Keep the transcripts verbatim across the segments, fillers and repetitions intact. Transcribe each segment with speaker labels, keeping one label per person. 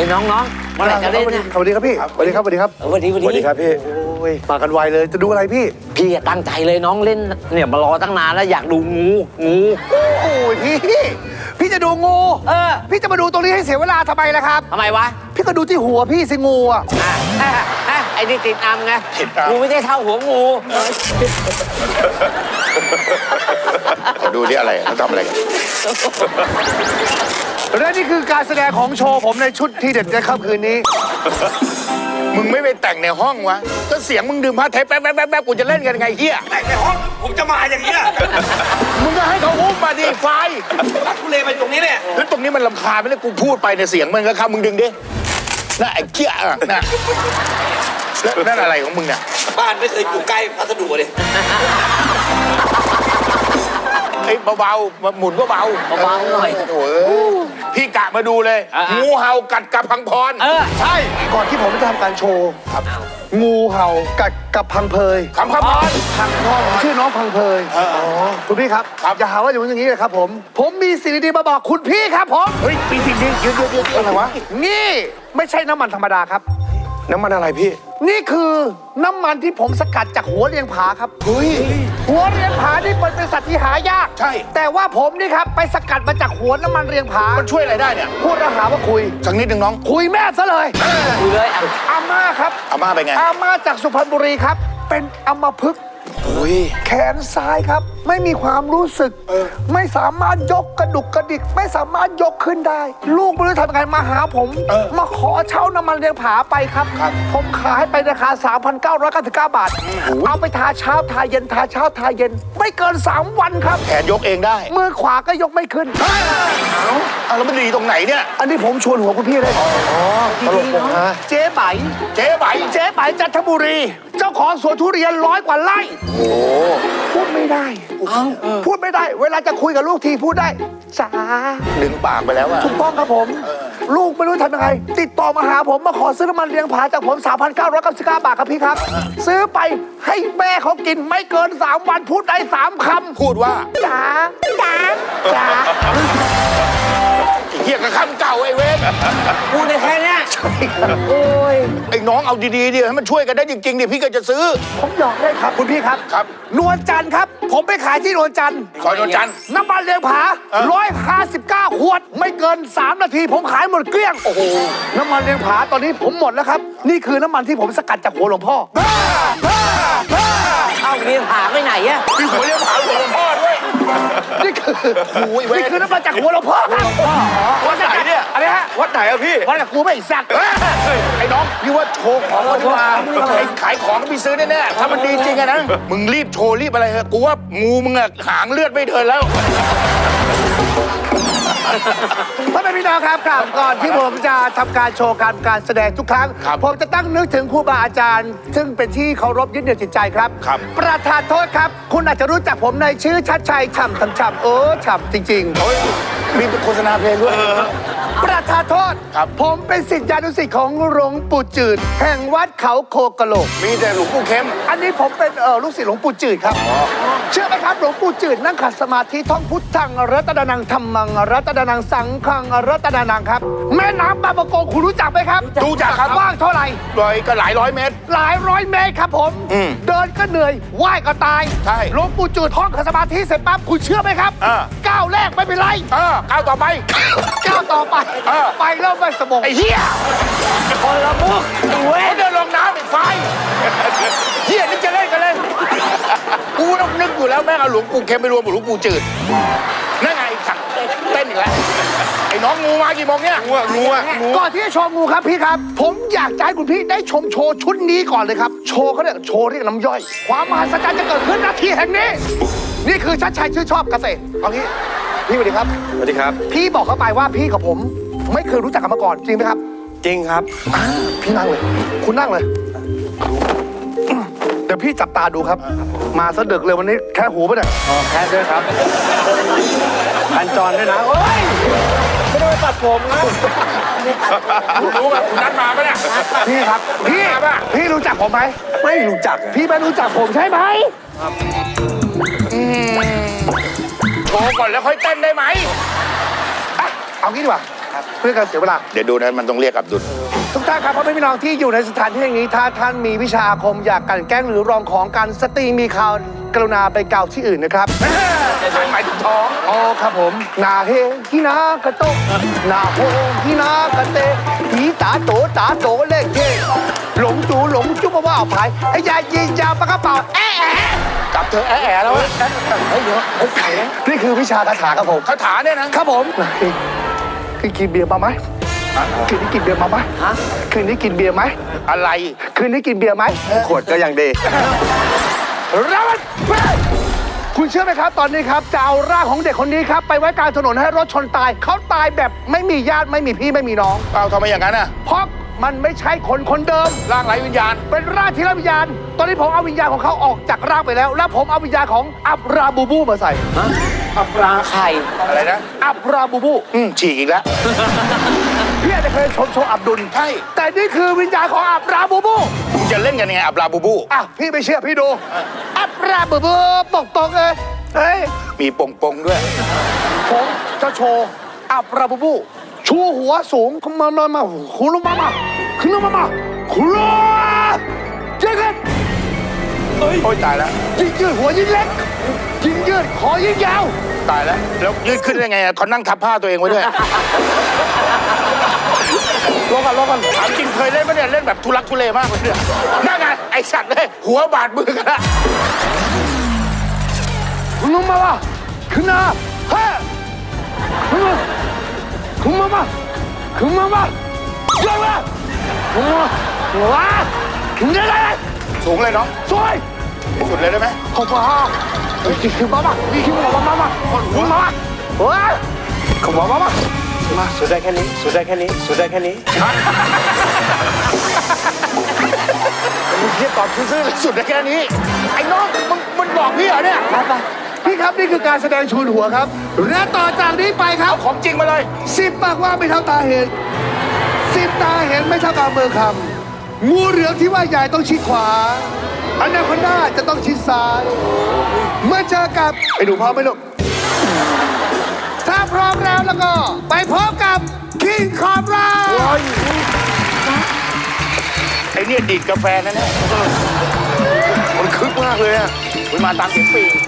Speaker 1: น้องๆเมื่อไหร่จะเล่นเนี่ย
Speaker 2: สวัสดีครับพี่สวัสดีครับสวัสดีครับ
Speaker 1: สวัสดีสวัสดีครับพี่
Speaker 2: โอ้ยมากันไวเลยจะดูอะไรพี่
Speaker 1: พี่ตั้งใจเลยน้องเล่นเนี่ยมารอตั้งนานแล้วอยากดูงูงู
Speaker 2: โอ้ยพี่พี่จะดูงู
Speaker 1: เออ
Speaker 2: พี่จะมาดูตรงนี้ให้เสียเวลาทำไมล่ะครับ
Speaker 1: ทำไมวะ
Speaker 2: พี่ก็ดูที่หัวพี่สิงูอ่ะ
Speaker 1: อ่ะอ่ะอ่ะไอ้นี่ติดอัมไงงูไม่ได้เท่าหัวงู
Speaker 3: ขอดูดิอะไรเขาทำอะไรกัน
Speaker 2: และนี่คือการแสดงของโชว์ผมในชุดที่เด็ดในค่ำคืนนี้
Speaker 3: มึงไม่ไปแต่งในห้องวะก็เสียงมึงดื่มผ้าเทปแป๊บแป๊บแป๊บแป๊บกูจะเล่นกันไงเฮีย
Speaker 4: แต่ในห้องผมจะมาอย่างเงี้ย
Speaker 3: มึงก็ให้เขาอุ้มมาดิไฟ
Speaker 4: รักทุเลไปตรงนี้เนี่ย
Speaker 3: แล้วตรงนี้มันลำคาญไม่ได้กูพูดไปในยเสียงมันก็เข้ามึงดึงดิน่ะไอ้เกี้ยอ่ะน่ะแล้วนั่นอะไรของมึงเนี่ย
Speaker 4: บ้านไม่เคยอยู่ใกล้พัสดุเลย
Speaker 3: ไอ้เบาๆหมุนก็เบา
Speaker 1: เบาๆหน่อย
Speaker 3: โอ้ยพี่กะมาดูเลย
Speaker 1: อ่ะ
Speaker 3: งูเห่ากัดกับพังพร
Speaker 1: เออ
Speaker 2: ใช่ก่อนที่ผมจะทำการโชว์ครับงูเห่ากัดกับพังเพย
Speaker 3: คำพังพร
Speaker 2: พังพ่อชื่อน้องพังเพยอ๋อคุณพี่ครับ
Speaker 3: ครับ
Speaker 2: อย่าหาว่าอย่างนู้นอย่างนี้เลยครับผม ผมมีสิ่งดีๆมาบอกคุณพี่ครับผม
Speaker 3: เฮ้ยปีสิ่งนี้ยืดยืดยืดอะไรวะ
Speaker 2: นี่ไม่ใช่น้ำมันธรรมดาครับ
Speaker 3: น้ำมันอะไรพี่
Speaker 2: นี่คือน้ำมันที่ผมสกัดจากหัวเรียงผาครับ
Speaker 3: เฮ้ย
Speaker 2: หัวเรียงผานี่เป็นสัตว์ที่หายาก
Speaker 3: ใช่
Speaker 2: แต่ว่าผมนี่ครับไปสกัดมาจากหัวน้ำมันเรียงผา
Speaker 3: มันช่วยอะไรได้เนี่ย
Speaker 2: พูดแล้วหาว่าคุย
Speaker 3: สักนิดหนึ่งน้อง
Speaker 2: คุยแม่ซะเลย
Speaker 1: ดูเลยอ่ะ
Speaker 2: อาม่าครับ
Speaker 3: อาม่าไปไง
Speaker 2: อาม่าจากสุพรรณบุรีครับ เป็นอัมพฤกษ์
Speaker 3: โอ้ย
Speaker 2: แขนซ้ายครับ ไม่มีความรู้สึก ไม่สามารถยกกระดุกกระดิก ไม่สามารถยกขึ้นได้ ลูกไม่รู้ทำยังไงมาหาผม มาขอเช่าน้ำมันเลี้ยงผาไปครับ ผมขายไปราคา สามพันเก้าร้อยเก้าสิบเก้า บาท เอาไปทาเช้าทาเย็นทาเช้าทาเย็น ไม่เกิน สาม วันครับ
Speaker 3: แขนยกเองได้
Speaker 2: มือขวาก็ยกไม่ขึ้น
Speaker 3: เอาแล้วมันดีตรงไหนเนี่ย
Speaker 2: อันนี้ผมชวนหัวคุณพี่เลยอ๋อตลกผมฮะเจ๊ไบ
Speaker 3: เจ๊ไหบ
Speaker 2: เจ๊ไบจันทบุรี เจ้าของสวนทุเรียนร้อยกว่าไร่
Speaker 3: โอ้
Speaker 2: พูดไม่ได้ พูดไม่ได้ เวลาจะคุยกับลูกทีพูดได้จ้า
Speaker 3: ดึงปากไปแล้วอะ
Speaker 2: ถูกต้องครับผม ลูกไม่รู้ทำยังไง ติดต่อมาหาผมมาขอซื้อน้ำมันเลี้ยงผาจากผม สามพันเก้าร้อยเก้าสิบเก้า บาทครับพี่ครับ ซื้อไปให้แม่เขากินไม่เกิน สาม วันพูดได้สามคำ
Speaker 3: พูดว่า
Speaker 2: จ๋าจ๋าจ๋า
Speaker 3: ไอ้เหี้ยกับคำเก่าไอ้เวร
Speaker 1: พูดได้แค่เนี้ยโอ้ย
Speaker 3: ไอ้น้องเอาดีๆดิให้มันช่วยกันได้จริงๆดิพี่ก็จะซื้อ
Speaker 2: ผมหยอกได้ครับคุณพี่ครับ
Speaker 3: ครับ
Speaker 2: นวลจันทร์ครับ ผมไปขายที่นวลจันทร์
Speaker 3: ซอยนวลจันทร์
Speaker 2: น้ำมันเลี้ยงผา
Speaker 3: เออ
Speaker 2: ร้อยห้าสิบเก้าขวด ไม่เกิน สาม นาที ผมขายหมดเกลี้ยง โอ้โห น้ำมันเลี้ยงผาตอนนี้ผมหมดแล้วครับ นี่คือน้ำมันที่ผมสกัดจากหัวหลวงพ่อ
Speaker 1: เอาเรียนผาไปไหนอะ
Speaker 3: พี่หัวเรียกหาหัวหลวงพ่อด้วย
Speaker 2: นี่คือ
Speaker 3: โอ้ยเว้ย
Speaker 2: นี่คือน้ำมันจากหัวหลวงพ่อครับ
Speaker 3: วัดไหนเนี่ย
Speaker 2: อะไรฮะ
Speaker 3: วัดไหนอะพี่
Speaker 2: วัดกับกูไม่สัก
Speaker 3: เฮ้ยไอ้น้องพี่ว่าโชว์ของมันมาไอ้ขายของก็พี่ซื้อแน่ๆถ้ามันดีจริงอะนะมึงรีบโชว์รีบอะไรเถอะกูว่างูมึงอะหางเลือดไม่เดินแล้ว
Speaker 2: พ่อแม่พี่น้องครับกลับก่อนที่ผมจะทำการโชว์การการแสดงทุกครั้ง
Speaker 3: ครับ
Speaker 2: ผมจะตั้งนึกถึงครูบาอาจารย์ ซึ่งเป็นที่เคารพยึดเหนี่ยวจิตใจครับ
Speaker 3: ครับ
Speaker 2: ประธานโทษครับ คุณอาจจะรู้จักผมในชื่อชัดชัยฉ่ำฉ่ำฉ่ำเออฉ่ำจริงๆ
Speaker 3: โอ้ยมีโฆษณาเพลงด้วย
Speaker 2: ประธานโทษ
Speaker 3: ครับ
Speaker 2: ผมเป็นศิษยานุศิษย์ของหลวงปู่จืด แห่งวัดเขาโคกะโหลก
Speaker 3: มีแต่หลวงปู่เข้ม
Speaker 2: อันนี้ผมเป็นเออลูกศิษย์หลวงปู่จืดครับ เชื่อไหมครับหลวงปู่จืดนั่งขัดสมาธิท่องพุทธังรัตนานังธรรมังรัตนานังสังฆังรัตนานังครับ แม่น้ำบางประกงคุณรู้จักไหมครับ
Speaker 3: รู้จักครับ
Speaker 2: กว้างเท่าไหร่
Speaker 3: ลอยก็หลายร้อยเมตร
Speaker 2: หลายร้อยเมตรครับผม
Speaker 3: อืม
Speaker 2: เดินก็เหนื่อยว่ายก็ตาย
Speaker 3: ใช่
Speaker 2: หลวงปู่จืดท่องขัดสมาธิเสร็จปั๊บคุณเชื่อไหมครับ
Speaker 3: อ่า
Speaker 2: ก้าวแรกไม่เป็นไร
Speaker 3: เออก้าวต่อไป
Speaker 2: ก้าวต่อไป
Speaker 3: เออ
Speaker 2: ไปเริ่มไม่สมอง
Speaker 3: ไอ้เหี้ย
Speaker 1: คนละมุกไอ้เว้ย
Speaker 3: เขาเดินลงน้ำไอ้ไฟเหี้ยนี่จะเล่นกันเล่นกูต้องนึกอยู่แล้วแม่งเอาหลวงปู่เค็มไปรวมกับหลวงปู่จืดนั่นไงขัดเต้นอีกแล้วไอ้น้องงูมากี่โมงเนี่ยงูอะงูอะงู
Speaker 2: ก่อนที่จะชมงูครับพี่ครับ ผมอยากจะให้คุณพี่ได้ชมโชว์ชุดนี้ก่อนเลยครับ โชว์เขาเนี่ยโชว์เรียกน้ำย่อย ความมหัศจรรย์จะเกิดขึ้นนาทีแห่งนี้ นี่คือชัดชัยชื่อชอบเกษตรเอางี้พี่สวัสดีครับ
Speaker 4: สวัสดีครับ
Speaker 2: พี่บอกเขาไปว่าพี่กับผม ไม่เคยรู้จักกันมาก่อนจริงไหมครับ
Speaker 4: จริงครับ
Speaker 2: อ่าพี่นั่งเลย คุณนั่งเลย เดี๋ยวพี่จับตาดูครับ มาซะดึกเลยวันนี้แค่หูปะเนี่ย
Speaker 4: อ๋อแค่ด้วยครับพันจรด้วยนะ โอ้ย ไม่ได้ไปตัดผมนะ
Speaker 3: คุณรู้ป่ะคุณนัดมาปะเนี่ย
Speaker 2: พี่ครับ พี่
Speaker 3: มาปะ
Speaker 2: พี่รู้จักผมไหมไม่รู้จัก พี่ไม่รู้จักผมใช่ไหม
Speaker 3: โชว์ก่อนแล้วค่อยเต้นได้ไหม
Speaker 2: อ่ะเอางี้ดีกว่าครับเพื่อการเสียเวลา
Speaker 3: เดี๋ยวดูนะมันต้องเรียกอับดุล
Speaker 2: ทุกท่านครับพ่อแม่พี่น้องที่อยู่ในสถานที่แห่งนี้ถ้าท่านมีวิชาอาคมอยากกลั่นแกล้งหรือรองของกันสตรีมีข่าวกรุณาไปเกล่าวที่อื่นนะครับ
Speaker 3: หมายถึงท้อง
Speaker 2: อ๋อครับผมนาเฮฮินากะโตนาโฮฮินากะเตหีตาโตตาโตเล่เกหลงจูหลงจุ๊บว่าเอาภายไอ้ยายิงยาปากกระเป๋าแอะแอะ
Speaker 3: กลับเธอแอะแอะแล้ว
Speaker 2: เฮ้ยเดี๋ยวเฮ้ยใส่แล้วนี่คือวิชาคาถาครับผม
Speaker 3: คาถาเนี่ยนะครับ
Speaker 2: ผมคือกินเบียร์มาไหมคืนนี้กินเบียร์มาไหมฮะคืนนี้กินเบียร์ไหม
Speaker 3: อะไร
Speaker 2: คืนนี้กินเบียร์ไหม
Speaker 4: ขวดก็ยังดี
Speaker 2: รับมันไปคุณเชื่อไหมครับ ตอนนี้ครับจะเอาร่างของเด็กคนนี้ครับไปไว้กลางถนนให้รถชนตายเขาตายแบบไม่มีญาติไม่มีพี่ไม่มีน้อง
Speaker 3: เอาทำไมอย่างนั้นอ่ะ
Speaker 2: เพราะมันไม่ใช่คนคนเดิม
Speaker 3: ร่างไร้วิญญาณ
Speaker 2: เป็นร่างที่ไร้วิญญาณ ตอนนี้ผมเอาวิญญาณของเขาออกจากร่างไปแล้ว แล้วผมเอาวิญญาณของอับราบูบูมาใส่
Speaker 1: อับราไข่
Speaker 3: อะไรนะ
Speaker 2: อับราบูบู
Speaker 3: อืมฉีกอีกแล้ว
Speaker 2: พี่อาจจะเคยชมโชว์อับดุล
Speaker 3: ใช่
Speaker 2: แต่นี่คือวิญญาณของอับราบูบู
Speaker 3: มึงจะเล่นกันยังไงอับลาบูบู
Speaker 2: อ่ะพี่ไม่เชื่อพี่ดู อับราบูบูตกตกๆเลยเฮ้ย
Speaker 3: มีปงปงๆด้วย
Speaker 2: ผมจะโชว์อับราบูบูชูหัวสูงขึ้นมามามาคุลุมามาขึ้นมามาคุลุเจ๊กัน
Speaker 3: โอ้ยตายแล้ว
Speaker 2: ยิ่งยืดหัวยิ่งเล็กยิ่งยืดคอยิ่งยาว
Speaker 3: ตายแล้ว แล้วยืดขึ้นได้ไงอะเขานั่งทับผ้าตัวเองไว้ด้วย
Speaker 2: รอกันรอกัน
Speaker 3: ถามจริงเคยเล่นไหมเนี่ย เล่นแบบทุลักทุเลมากเลยเนี่ยนั่นไงไอสัตว์เลยหัวบาดมือกันละ
Speaker 2: ขึ้นมามาขึ้นมาเฮ้ยขึ้นมาขึ้นมามาขึ้นมามาเยอะมาขึ้นมาว้าขึ้นได้เลย
Speaker 3: สูงเลยน้อง
Speaker 2: สวย
Speaker 3: ที่สุดเลยได้ไหม
Speaker 2: ขอบคุณฮะขึ้นมามาขึ้นมามามาขึ้นมามาว้าขึ้นมามามามา
Speaker 4: สุดได้แค่นี้ สุดได้แค่นี้ สุดได้แค่นี้
Speaker 3: มึงเทียบตอบซื่อๆเลยสุดได้แค่นี้ ไอ้น้องมึงมึงบอกพี่เหรอเนี่ย
Speaker 2: พี่ครับนี่คือการแสดงชูนหัวครับ และต่อจากนี้ไปครับ
Speaker 3: เอาของจริงมาเลย
Speaker 2: สิบปากว่าไม่เท่าตาเห็นสิบตาเห็นไม่เท่าตาเมือคำงูเหลือมที่ว่าใหญ่ต้องชิดขวาอนาคอนด้าจะต้องชิดซ้าย เมื่อเจอกับไปดูพร้อมไหมลูกถ้าพร้อมแล้วแล้วก็ ไปพบกับคิงคอบรา
Speaker 3: ไอ้เนี่ยดีดกาแฟนั่นแหละมันคึกมากเลยอ่ะมันมาตามเสียงปีง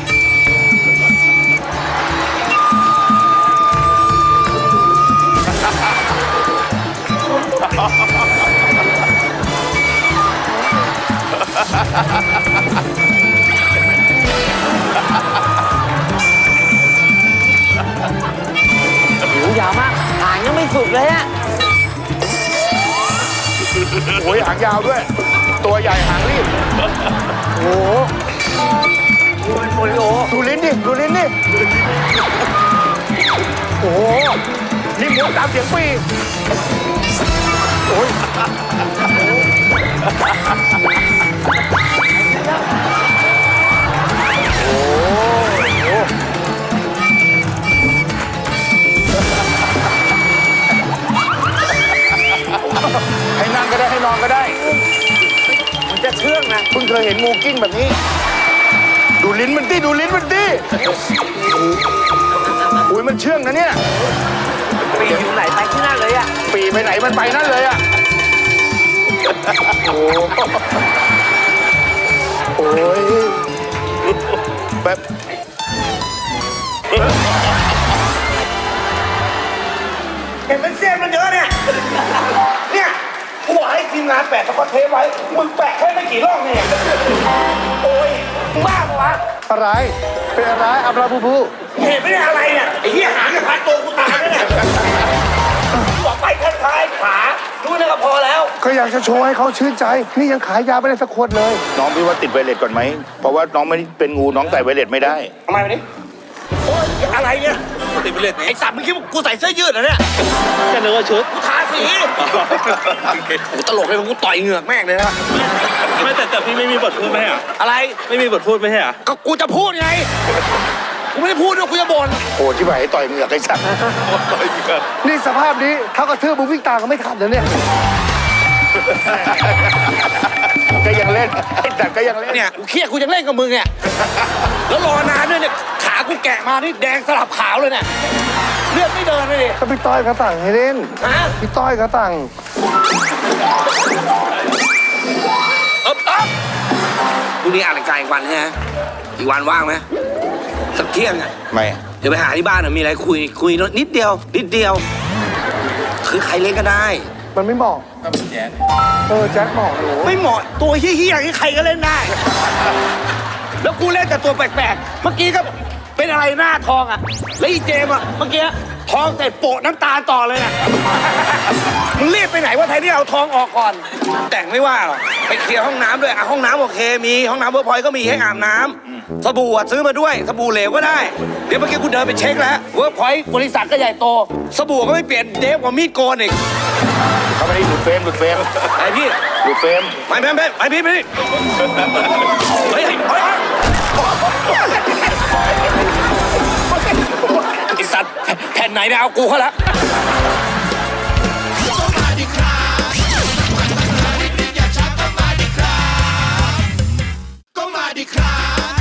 Speaker 1: หูยาวมากหางยังไม่สุดเลยอะ
Speaker 3: โอ้ยหางยาวด้วย ตัวใหญ่หางรีบ
Speaker 1: โอ้โหโอริโอ
Speaker 3: ดูลิ้นดิ ดูลิ้นดิ โอ้โห นี่หมุนตามเสียงปีโอ้ยให้นั่งก็ได้ ให้นอนก็ได้
Speaker 1: มันจะเชื่องนะ
Speaker 3: เพิ่งเคยเห็นงูกิ้งแบบนี้ ดูลิ้นมันดิ ดูลิ้นมันดิอุ้ยมันเชื่องนะเนี่ย
Speaker 1: ปีอยู่ไหนไปที่นั่นเลยอะ
Speaker 3: ปีไปไหนมันไปนั่นเลยอ่ะ โอ้โอ้ยแบบ
Speaker 2: เห็นเป็นเส้นมันเยอะเนี่ย เนี่ยกูบอกให้ทีมงานแปะสกอตเทปไว้ มึงแปะแค่ไม่กี่รอบเนี่ย โอ้ยบ้าปะวะ อะไร เป็นอะไรอับราบูบู
Speaker 5: เห็นไม่ได้อะไรเนี่ยไอ้เหี้ยหางจะพันตัวกูตายแล้วเนี่ยบอกไปแค่ท้ายขาดูนี่ก็พอแล้ว
Speaker 2: ก็อยากจะโชว์ให้เขาชื่นใจ นี่ยังขายยาไม่ได้สักขวดเลย
Speaker 3: น้องพี่ว่าติดไวเลสก่อนไหม เพราะว่าน้องไม่เป็นงูน้องใส่ไวเลสไม่ได้
Speaker 5: ทำไมวันนี้โอ๊ยอะไรเนี่ยติดไปเลยไอ้สัตว์มึงคิดว่ากูใส่เสื้อยืดเหรอเนี่ย
Speaker 4: จะนึกว่าชุด
Speaker 5: กูทาสีกูตลกเลยกูต่อยเหงือกแม่งเลยนะ
Speaker 4: ไม่แต่แต่พี่ไม่มีบทพูดไหมอ่ะ
Speaker 5: อะไร
Speaker 4: ไม่มีบทพูดไหมอ่ะ
Speaker 5: ก็กูจะพูดไงกูไม่ได้พูดด้วยกูจะบ่น
Speaker 3: โอ้ที่ไหนต่อยเหงือกไอ้สัตว์
Speaker 2: นี่สภาพนี้เท่ากับเทือมึงวิ่งตามก็ไม่ทันแล้วเนี่ย
Speaker 3: ก็ยังเล่น ไอ้สัตว์ก็ยังเล่น
Speaker 5: เนี่ยกูเครียดกูยังเล่นกับมึงเนี่ยแล้วรอนานด้วยเนี่ยขากูแกะมานี่แดงสลับขาวเลยเนี่ยเลือดไม่เดินเลยดิ
Speaker 2: ก็พี่ต้อยเขาสั่งให้เล่น
Speaker 5: ฮะ
Speaker 2: พี่ต้อยเขาสั่ง
Speaker 5: เอ๊บอ๊บพรุ่งนี้อ่านรายการอีกวันใช่ไหมอีกวันว่างไหมสักเที่ยงอ่ะ
Speaker 3: ไม่
Speaker 5: เดี๋ยวไปหาที่บ้านอะมีอะไรคุยคุยนิดเดียวนิดเดียว คือใครเล่นก็ได้
Speaker 2: มันไม่เหมาะเออแจ็คเหมาะหนู
Speaker 5: ไม่เหมาะตัวเฮี้ยๆอย่างนี้ใครก็เล่นได้ แล้วกูเล่นแต่ตัวแปลกๆ เมื่อกี้ก็เป็นอะไรหน้าทองอ่ะ แล้วอีเจมส์อ่ะเมื่อกี้ทองเสร็จโปะน้ำตาลต่อเลยอ่ะ มึงรีบไปไหนว่าไทยที่เอาทองออกก่อน แต่งไม่ว่าหรอกไปเคลียร์ห้องน้ำด้วยอ่ะห้องน้ำโอเคมีห้องน้ำเวิร์กพอยต์ก็มีให้อาบน้ำสบู่อ่ะซื้อมาด้วยสบู่เหลวก็ได้ เดี๋ยวเมื่อกี้กูเดินไปเช็คแล้วเวิร์กพอยต์บริษัทก็ใหญ่โต สบู่ก็ไม่เปลี่ยนเดฟกว่ามีดโกนอีก
Speaker 3: เขาไม่ได้หลุดเฟรมหลุดเฟรม
Speaker 5: ไอพี่
Speaker 3: หลุดเฟรม
Speaker 5: ไปไปไปไปพี่ไปพี่เฮ้ยเฮ้ยไอสัตว์แผ่นไหนเนี่ยเอากูเขาละ
Speaker 6: ก็มาดิครับ